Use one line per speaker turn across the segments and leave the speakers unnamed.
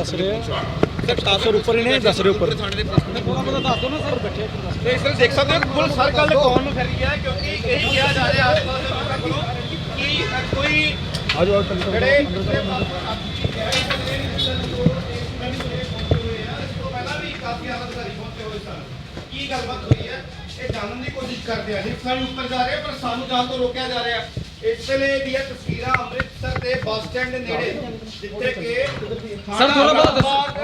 ਦੱਸ ਰਹੇ ਆ 700 ਉੱਪਰ ਹੀ ਨੇ, ਦੱਸ ਰਹੇ ਉੱਪਰ ਥਾਣੇ ਦੇ ਥੋੜਾ ਬਹੁਤਾ ਦੱਸ ਦਿਓ ਨਾ ਸਰ, ਬੈਠੇ
ਤੇ ਇਸ ਤਰ੍ਹਾਂ ਦੇਖ ਸਕਦੇ ਹੋ ਪੁਲਿਸ ਹਰ ਗੱਲ ਕੌਣ ਨੂੰ ਫਿਰ ਗਿਆ, ਕਿਉਂਕਿ ਇਹੀ ਕਿਹਾ ਜਾ ਰਿਹਾ ਆਸ-ਪਾਸ ਦੇ ਲੋਕਾਂ ਕੋਲੋਂ ਕਿ ਕੋਈ
ਆਜੋ
ਜਿਹੜੇ ਕੀ ਗੱਲਬਾਤ ਹੋਈ ਹੈ ਇਹ ਜਾਣਨ ਦੀ ਕੋਸ਼ਿਸ਼ ਕਰਦੇ ਆ। ਨਿਫਸਾਂ ਉੱਪਰ ਜਾ ਰਹੇ ਪਰ ਸਾਨੂੰ ਜਾਣ ਤੋਂ ਰੋਕਿਆ ਜਾ ਰਿਹਾ। ਇਸ ਵੇਲੇ ਦੀਆਂ ਤਸਵੀਰਾਂ ਅੰਮ੍ਰਿਤਸਰ ਦੇ ਬੱਸ ਸਟੈਂਡ ਦੇ ਨੇੜੇ, ਜਿੱਥੇ ਕਿ
ਸਰ ਥੋੜਾ ਬਹੁਤ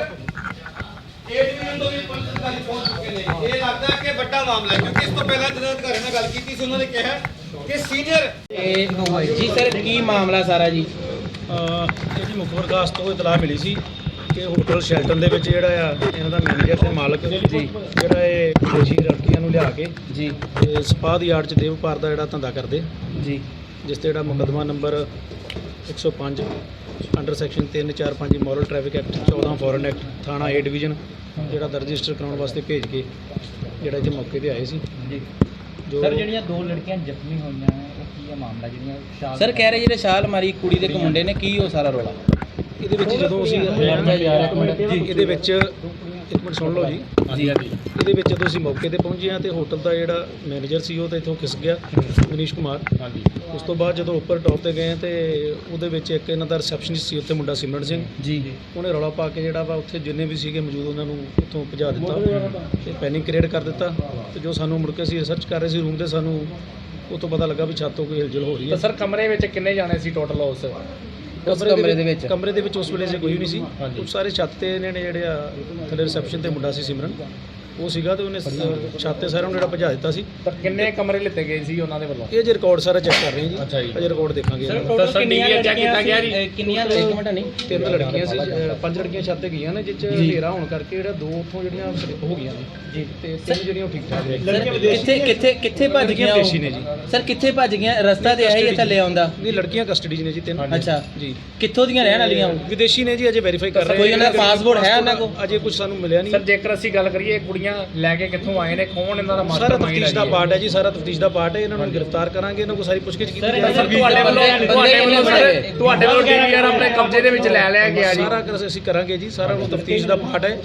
ਏ ਡਿਵੀਜ਼ਨ ਤੋਂ ਵੀ ਪੁਲਿਸ ਅਧਿਕਾਰੀ ਪਹੁੰਚ ਚੁੱਕੇ ਨੇ। ਇਹ ਲੱਗਦਾ ਹੈ ਕਿ ਵੱਡਾ ਮਾਮਲਾ ਹੈ, ਕਿਉਂਕਿ ਇਸ ਤੋਂ ਪਹਿਲਾਂ ਜਦੋਂ ਅਧਿਕਾਰੀ ਨਾਲ ਗੱਲ ਕੀਤੀ ਸੀ ਉਹਨਾਂ ਨੇ ਕਿਹਾ ਕਿ ਸੀਨੀਅਰ
ਜੀ ਸਰ ਕੀ ਮਾਮਲਾ ਸਾਰਾ ਜੀ?
ਇਹਦੀ ਮੁੱਖ ਪ੍ਰਕਾਸ਼ ਤੋਂ ਇਤਲਾਹ ਮਿਲੀ ਸੀ ਕਿ ਹੋਟਲ ਸ਼ੈਲਟਨ ਦੇ ਵਿੱਚ ਜਿਹੜਾ ਆ ਇਹਨਾਂ ਦਾ ਮੈਨੇਜਰ ਤੇ ਮਾਲਕ ਜੀ ਜਿਹੜਾ ਇਹ ਵਿਦੇਸ਼ੀ ਲੜਕੀਆਂ ਨੂੰ ਲਿਆ ਕੇ
ਜੀ
ਤੇ ਸਪਾਹ ਦੀ ਆੜ 'ਚ ਦੇਵ ਵਪਾਰ ਦਾ ਜਿਹੜਾ ਧੰਦਾ ਕਰਦੇ
ਜੀ,
ਜਿਸ ਤੇ ਜਿਹੜਾ ਮੁਕੱਦਮਾ number 105 under section 345 moral traffic act 14 foreign act ਥਾਣਾ ਏ ਡਿਵੀਜ਼ਨ ਜਿਹੜਾ ਰਜਿਸਟਰ ਕਰਾਉਣ ਵਾਸਤੇ ਭੇਜ ਕੇ ਜਿਹੜਾ ਇੱਥੇ ਮੌਕੇ ਤੇ ਆਏ ਸੀ
ਜੀ।
ਜੋ
ਸਰ ਜਿਹੜੀਆਂ ਦੋ ਲੜਕੀਆਂ ਜ਼ਖਮੀ ਹੋਈਆਂ ਉਹ ਕੀ ਹੈ ਮਾਮਲਾ, ਜਿਹੜੀਆਂ ਸ਼ਾਲ
ਸਰ ਕਹਿ ਰਹੇ ਜਿਹੜੇ ਛਾਲ ਮਾਰੀ ਕੁੜੀ ਦੇ ਇੱਕ ਮੁੰਡੇ ਨੇ, ਕੀ ਉਹ ਸਾਰਾ ਰੋਲਾ?
ਇਹਦੇ ਵਿੱਚ ਜਦੋਂ ਅਸੀਂ ਜੀ ਇਹਦੇ ਵਿੱਚ ਇੱਕ ਮਿੰਟ ਸੁਣ ਲਓ ਜੀ
ਜੀ
ਇਹਦੇ ਵਿੱਚ ਜਦੋਂ ਅਸੀਂ ਮੌਕੇ ਤੇ ਪਹੁੰਚੇ ਹਾਂ ਤੇ ਹੋਟਲ ਦਾ ਜਿਹੜਾ ਮੈਨੇਜਰ ਸੀ ਉਹ ਤਾਂ ਇੱਥੋਂ ਖਿਸ ਗਿਆ, ਮਨੀਸ਼ ਕੁਮਾਰ। ਉਸ ਤੋਂ ਬਾਅਦ ਜਦੋਂ ਉੱਪਰ ਟੌਪ ਤੇ ਗਏ ਤੇ ਉਹਦੇ ਵਿੱਚ ਇੱਕ ਇਹਨਾਂ ਦਾ ਰਿਸੈਪਸ਼ਨਿਸਟ ਸੀ ਉੱਥੇ ਮੁੰਡਾ ਸਿਮਰਨ ਸਿੰਘ
ਜੀ,
ਉਹਨੇ ਰੌਲਾ ਪਾ ਕੇ ਜਿਹੜਾ ਵਾ ਉੱਥੇ ਜਿੰਨੇ ਵੀ ਸੀਗੇ ਮੌਜੂਦ ਉਹਨਾਂ ਨੂੰ ਉੱਥੋਂ ਭਜਾ ਦਿੱਤਾ ਤੇ ਪੈਨਿਕ ਕ੍ਰੀਏਟ ਕਰ ਦਿੱਤਾ। ਤੇ ਜੋ ਸਾਨੂੰ ਮੁੜ ਕੇ ਅਸੀਂ ਰਿਸਰਚ ਕਰ ਰਹੇ ਸੀ ਰੂਮ ਤੇ, ਸਾਨੂੰ ਉਹ ਤੋਂ ਪਤਾ ਲੱਗਾ ਵੀ ਛੱਤ ਤੋਂ ਕੋਈ ਹਿਲਜੁਲ ਹੋ ਰਹੀ ਹੈ।
ਸਰ ਕਮਰੇ ਵਿੱਚ ਕਿੰਨੇ ਜਾਣੇ ਸੀ ਟੋਟਲ ਉਸ
ਕਮਰੇ ਦੇ ਵਿੱਚ ਉਸ ਵੇਲੇ ਜੇ ਕੋਈ ਵੀ ਨਹੀਂ ਸੀ। ਉਹ ਸਾਰੇ ਛੱਤ ਤੇ ਇਹਨਾਂ ਨੇ ਜਿਹੜੇ ਆ ਥੱਲੇ ਰਿਸੈਪਸ਼ਨ ਤੇ ਮੁੰਡਾ ਸੀ ਸਿਮਰਨ, ਉਹ ਸੀਗਾ ਤੇ ਉਹਨੇ ਛੱਤ ਤੇ ਸਾਰਿਆਂ ਨੂੰ ਜਿਹੜਾ ਭਜਾ ਦਿੱਤਾ ਸੀ।
ਤਾਂ ਕਿੰਨੇ ਕਮਰੇ ਲਿੱਤੇ ਗਏ ਸੀ ਉਹਨਾਂ ਦੇ ਵੱਲੋਂ?
ਇਹ ਜੇ ਰਿਕਾਰਡ ਸਾਰਾ ਚੈੱਕ ਕਰ ਰਹੇ ਹਾਂ
ਅੱਛਾ
ਜੀ,
ਜੀ।
ਅਜੇ ਰਿਕਾਰਡ ਦੇਖਾਂਗੇ।
ਕਿੰਨੀਆਂ ਇੱਕ ਮਿੰਟ ਨਹੀਂ,
3 ਲੜਕੀਆਂ ਸੀ, 5 ਲੜਕੀਆਂ ਛੱਤ ਤੇ ਗਈਆਂ ਨੇ, ਜਿਸ ਚ ਹਨੇਰਾ ਹੋਣ ਕਰਕੇ ਜਿਹੜਾ 2 ਉੱਥੋਂ ਜਿਹੜੀਆਂ ਹੋ ਗਈਆਂ ਨੇ ਜੀ, ਤੇ 3 ਜਿਹੜੀਆਂ ਉਹ ਠੀਕ ਠਾਕ ਨੇ।
ਕਿੱਥੇ ਭੱਜ ਗਈਆਂ
ਵਿਦੇਸ਼ੀ ਨੇ ਜੀ।
ਸਰ ਕਿੱਥੇ ਭੱਜ ਗਈਆਂ? ਰਸਤਾ ਤੇ ਆਹੀ ਥੱਲੇ ਆਉਂਦਾ?
ਨਹੀਂ, ਲੜਕੀਆਂ ਕਸਟਡੀ 'ਚ ਨੇ ਜੀ 3।
ਅੱਛਾ
ਜੀ,
ਕਿੱਥੋਂ ਦੀਆਂ ਰਹਿਣ ਵਾਲੀਆਂ?
ਵਿਦੇਸ਼ੀ ਨੇ ਜੀ, ਅਜੇ ਵੈਰੀਫਾਈ ਕਰ ਰਹੇ
ਕੋਈ ਉਹਨਾਂ ਦਾ ਪਾਸਪੋਰਟ ਹੈ ਉਹਨਾਂ ਕੋਲ?
ਅਜੇ ਕੁਝ ਸਾਨੂੰ ਮਿਲਿਆ ਨਹੀਂ।
ਸਰ ਜੇਕਰ ਅਸੀਂ ਗੱਲ ਕਰੀਏ ਕੁੜੀਆਂ ਲੈ ਕੇ ਕਿੱਥੋਂ ਆਏ ਨੇ, ਕੌਣ ਇਹਨਾਂ ਦਾ
ਸਾਰਾ
ਮਾਸਟਰਮਾਈਂਡ
ਤਫਤੀਸ਼ ਦਾ ਪਾਰਟ ਹੈ ਜੀ, ਸਾਰਾ ਤਫਤੀਸ਼ ਦਾ ਪਾਰਟ ਹੈ। ਇਹਨਾਂ ਨੂੰ ਗ੍ਰਿਫਤਾਰ ਕਰਾਂਗੇ, ਇਹਨਾਂ ਕੋਲ ਸਾਰੀ ਪੁੱਛਗਿੱਛ ਕੀਤੀ ਜਾਏਗੀ।
ਤੁਹਾਡੇ ਵੱਲੋਂ ਡੀਵੀਆਰ ਆਪਣੇ ਕਬਜ਼ੇ ਦੇ ਵਿੱਚ ਲੈ ਲਿਆ ਗਿਆ ਜੀ?
ਸਾਰਾ ਕੁਝ ਅਸੀਂ ਕਰਾਂਗੇ ਜੀ, ਸਾਰਾ ਉਹ ਤਫਤੀਸ਼ ਦਾ ਪਾਰਟ ਹੈ।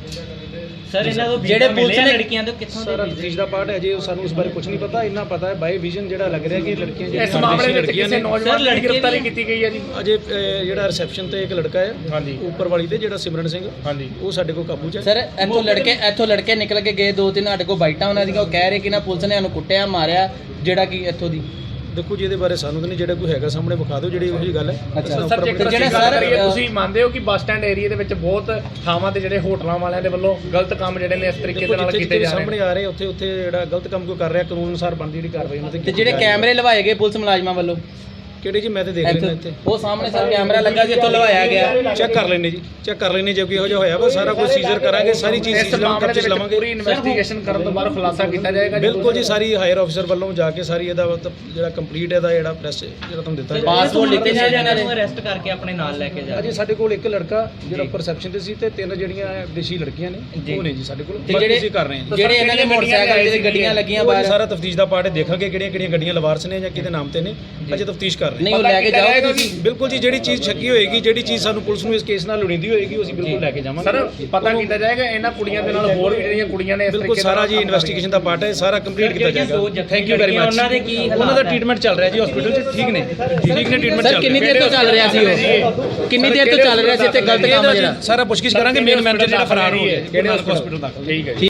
ਸਰ ਇਹਨਾਂ ਤੋਂ ਜਿਹੜੇ ਪੁਲਿਸ ਨੇ ਲੜਕੀਆਂ ਤੋਂ ਕਿੱਥੋਂ
ਸਾਰਾ ਤਫਤੀਸ਼ ਦਾ ਪਾਰਟ ਹੈ ਜੀ, ਸਾਨੂੰ ਇਸ ਬਾਰੇ ਕੁਝ ਨਹੀਂ ਪਤਾ। ਇੰਨਾ ਪਤਾ ਹੈ ਬਾਈ ਵਿਜ਼ਨ ਜਿਹੜਾ ਲੱਗ ਰਿਹਾ ਕਿ ਲੜਕੀਆਂ
ਇਸ ਮਾਮਲੇ ਵਿੱਚ ਕਿਸੇ ਨੌਜਵਾਨ ਦੀ ਗ੍ਰਿਫਤਾਰੀ ਕੀਤੀ ਗਈ ਹੈ ਜੀ?
ਅਜੇ ਜਿਹੜਾ ਰਿਸੈਪਸ਼ਨ ਤੇ ਇੱਕ ਲੜਕਾ ਹੈ
ਹਾਂਜੀ,
ਉੱਪਰ ਵਾਲੀ ਤੇ ਜਿਹੜਾ ਸਿਮਰਨ ਸਿੰਘ,
ਹਾਂਜੀ,
ਉਹ ਸਾਡੇ ਕੋਲ ਕਾਬੂ 'ਚ ਹੈ।
ਸਰ ਇੱਥੋਂ ਲੜਕੇ ਨਿਕਲ ਕੇ ਗਏ 2-3 ਸਾਡੇ ਕੋਲ ਬਾਈਟਾਂ ਉਹਨਾਂ ਦੀਆਂ, ਉਹ ਕਹਿ ਰਹੇ ਕਿ ਨਾ ਪੁਲਿਸ ਨੇ ਸਾਨੂੰ ਕੁੱਟਿਆ ਮਾਰਿਆ, ਜਿਹੜਾ ਕਿ ਇੱਥੋਂ ਦੀ।
ਦੇਖੋ ਜੀ ਇਹਦੇ ਬਾਰੇ ਸਾਨੂੰ ਤਾਂ ਨਹੀਂ, ਜਿਹੜਾ ਕੋਈ ਹੈਗਾ ਸਾਹਮਣੇ ਵਿਖਾ ਦਿਓ ਜਿਹੜੀ ਉਹੋ ਜਿਹੀ ਗੱਲ ਹੈ।
ਸਰ ਜੇਕਰ ਅਸੀਂ ਗੱਲ ਕਰੀਏ, ਤੁਸੀਂ ਮੰਨਦੇ ਹੋ ਕਿ ਬੱਸ ਸਟੈਂਡ ਏਰੀਆ ਦੇ ਵਿੱਚ ਬਹੁਤ ਥਾਵਾਂ ਤੇ ਜਿਹੜੇ ਹੋਟਲਾਂ ਵਾਲਿਆਂ ਦੇ ਵੱਲੋਂ ਗਲਤ ਕੰਮ ਜਿਹੜੇ ਨੇ ਇਸ ਤਰੀਕੇ ਦੇ ਨਾਲ ਕੀਤੇ ਜਾ ਰਹੇ
ਸਾਹਮਣੇ ਆ ਰਹੇ ਉੱਥੇ ਜਿਹੜਾ ਗਲਤ ਕੰਮ ਕੋਈ ਕਰ ਰਿਹਾ, ਕਾਨੂੰਨ ਅਨੁਸਾਰ ਬਣਦੀ ਜਿਹੜੀ ਕਾਰਵਾਈ ਉਹਨਾਂ
ਤੇ ਜਿਹੜੇ ਕੈਮਰੇ ਲਵਾਏ ਗਏ ਪੁਲਿਸ ਮੁਲਾਜ਼ਮਾਂ ਵੱਲੋਂ
ਕਿਹੜੇ ਜੀ? ਮੈਂ ਤੇ ਦੇਖ ਲੈਣਾ ਇੱਥੇ,
ਉਹ ਸਾਹਮਣੇ ਸਰ ਕੈਮਰਾ ਲੱਗਾ ਸੀ, ਇੱਥੋਂ ਲਵਾਇਆ ਗਿਆ।
ਚੈੱਕ ਕਰ ਲੈਣੇ ਜੀ, ਚੈੱਕ ਕਰ ਲੈਣੇ। ਜੇ ਕੋਈ ਇਹੋ ਜਿਹਾ ਹੋਇਆ ਵਾ ਸਾਰਾ ਕੁਝ ਸੀਜ਼ਰ ਕਰਾਂਗੇ, ਸਾਰੀ ਚੀਜ਼ ਸੀਜ਼
ਮਾਮਲੇ ਦੇ
ਲਵਾਂਗੇ।
ਪੂਰੀ ਇਨਵੈਸਟੀਗੇਸ਼ਨ ਕਰਨ ਤੋਂ ਬਾਅਦ ਖੁਲਾਸਾ ਕੀਤਾ ਜਾਏਗਾ?
ਬਿਲਕੁਲ ਜੀ, ਸਾਰੀ ਹਾਇਰ ਆਫੀਸਰ ਵੱਲੋਂ ਜਾ ਕੇ ਸਾਰੀ ਇਹਦਾ ਜਿਹੜਾ ਕੰਪਲੀਟ ਇਹਦਾ ਜਿਹੜਾ ਪ੍ਰੈਸ ਜਿਹੜਾ ਤੁਹਾਨੂੰ ਦਿੱਤਾ ਜਾਏਗਾ।
ਪਾਸਪੋਰਟ ਲਿਖੇ ਜਾ ਇਹਨਾਂ ਨੇ
ਅਰੈਸਟ ਕਰਕੇ ਆਪਣੇ ਨਾਲ ਲੈ ਕੇ ਜਾ
ਅਜੇ ਸਾਡੇ ਕੋਲ ਇੱਕ ਲੜਕਾ ਜਿਹੜਾ ਪਰਸੈਪਸ਼ਨ ਤੇ ਸੀ ਤੇ 3 ਜਿਹੜੀਆਂ ਵਿਦੇਸ਼ੀ ਲੜਕੀਆਂ ਨੇ ਉਹ ਨੇ ਜੀ ਸਾਡੇ ਕੋਲ।
ਜਿਹੜੇ
ਅਸੀਂ ਕਰ ਰਹੇ ਹਾਂ ਜੀ,
ਜਿਹੜੇ ਇਹਨਾਂ ਦੇ ਮੋਟਰਸਾਈਕਲ ਤੇ ਗੱਡੀਆਂ ਲੱਗੀਆਂ ਬਾਹਰ,
ਸਾਰਾ ਤਫਤੀਸ਼ ਦਾ ਪਾਰਟ ਹੈ। ਦੇਖਾਂਗੇ ਕਿਹੜੀਆਂ ਗੱਡੀਆਂ ਲਵਾਰਸ ਨੇ ਜਾਂ ਕਿਹਦੇ ਨਾਮ ਤੇ ਨੇ, ਅਜੇ ਤਫਤੀਸ਼ ਕਰ ਰਹੇ ਹਾਂ।
ਨਹੀਂ ਉਹ ਲੈ ਕੇ ਜਾਓਗੇ ਤੁਸੀਂ?
ਬਿਲਕੁਲ ਜੀ, ਜਿਹੜੀ ਚੀਜ਼ ਸ਼ੱਕੀ ਹੋਏਗੀ, ਜਿਹੜੀ ਚੀਜ਼ ਸਾਨੂੰ ਪੁਲਿਸ ਨੂੰ ਇਸ ਕੇਸ ਨਾਲ ਲੋੜੀਂਦੀ ਹੋਏਗੀ, ਉਹ ਅਸੀਂ ਬਿਲਕੁਲ ਲੈ ਕੇ ਜਾਵਾਂਗੇ।
ਸਰ ਪਤਾ ਕੀਤਾ ਜਾਏਗਾ ਇਹਨਾਂ ਕੁੜੀਆਂ ਦੇ ਨਾਲ ਹੋਰ ਵੀ ਜਿਹੜੀਆਂ ਕੁੜੀਆਂ ਨੇ ਇਸ
ਬਿਲਕੁਲ ਸਾਰਾ ਜੀ ਇਨਵੈਸਟੀਗੇਸ਼ਨ ਦਾ ਪਾਰਟ ਹੈ, ਸਾਰਾ ਕੰਪਲੀਟ ਕੀਤਾ ਜਾਏਗਾ। Thank you very much. ਉਹਨਾਂ ਦਾ ਟ੍ਰੀਟਮੈਂਟ ਚੱਲ ਰਿਹਾ ਜੀ ਹਸਪੀਟਲ 'ਚ, ਠੀਕ ਨੇ ਟ੍ਰੀਟਮੈਂਟ ਚੱਲ ਰਿਹਾ।
ਕਿੰਨੀ ਦੇਰ ਤੋਂ ਚੱਲ ਰਿਹਾ ਸੀ ਉਹ? ਕਿੰਨੀ ਦੇਰ ਤੋਂ ਚੱਲ ਰਿਹਾ ਸੀ ਇੱਥੇ ਗਲਤ ਕੰਮ ਜਿਹੜਾ?
ਸਾਰਾ ਪੁੱਛਗਿੱਛ ਕਰਾਂਗੇ। ਮੇਨ ਮੈਨੇਜਰ ਜਿਹੜਾ ਫਰਾਰ ਹੋ ਗਿਆ ਕਿਹੜੇ ਹਸਪੀਟਲ ਤੱਕ।
ਠੀਕ ਹੈ।